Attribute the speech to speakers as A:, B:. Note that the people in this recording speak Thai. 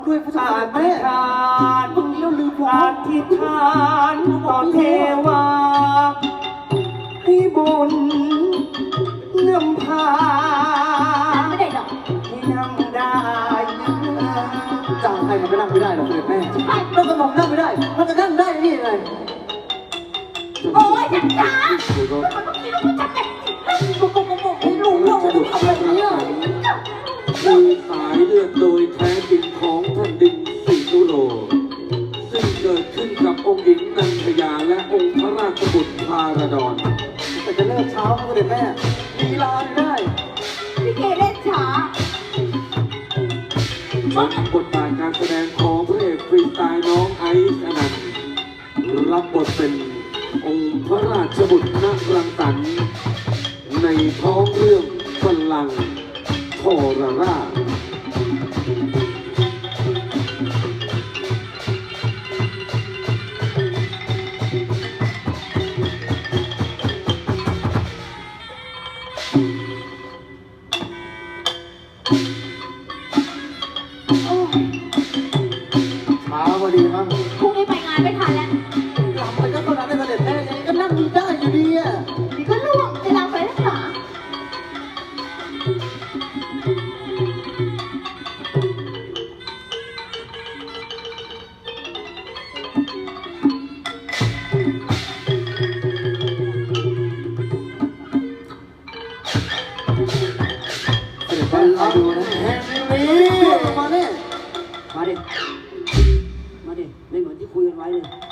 A: ด้วยพระเจ้าแม่ตรงนี้เราลืมผม
B: อธิษฐานต่อเทวาให้บุญนำพา
C: ไม่ได้หรอก
B: ให้นั่งได้
A: จ้างให้มันก็นั่งไม่ได้หรอกเสด็จแม่แล้วก็มองนั่งไม่ได้มันจะนั่งได้นี่ไง
C: โอ้ยจัดจ้ามันต้องคิดว่ามันจะแต่งบอกให้รู้ว่ามันทำแบบนี้
D: คือสายเลือดโดยแท้จริงของแผ่นดินสิงห์โลซึ่งเกิดขึ้นกับองค์หญิงนันทยาและองค์พระราชบุตรพาราดอน
A: แต่จะเลิกเช้าเสด็จแม่มีลาไม่ได้
C: พี่เกเล่นช้า
D: บทบาทการแสดงของพระเอกฟรีสไตล์น้องไอซ์อนันต์รับบทเป็นองค์พระราชบุตรณรังสรรค์ในท้องเรื่องบัลลังก์ทรราช
A: มาพอดีมั้ง
C: พรุ่งนี้ไปงานไม่ทันแล้ว
A: หลับไปก็เท่านั้นเสด็จแม่ยังไงก็นั่งอยู่ได้อยู่ดีอ่ะ
C: นี่ก็ล่วงจะลาไปแล้วหรอ
A: เสด็จแม่รอดูนะแฮมมี่มาเนี่ย
E: มาดิ มาดิ ไม่เหมือนที่คุยกันไว้เลย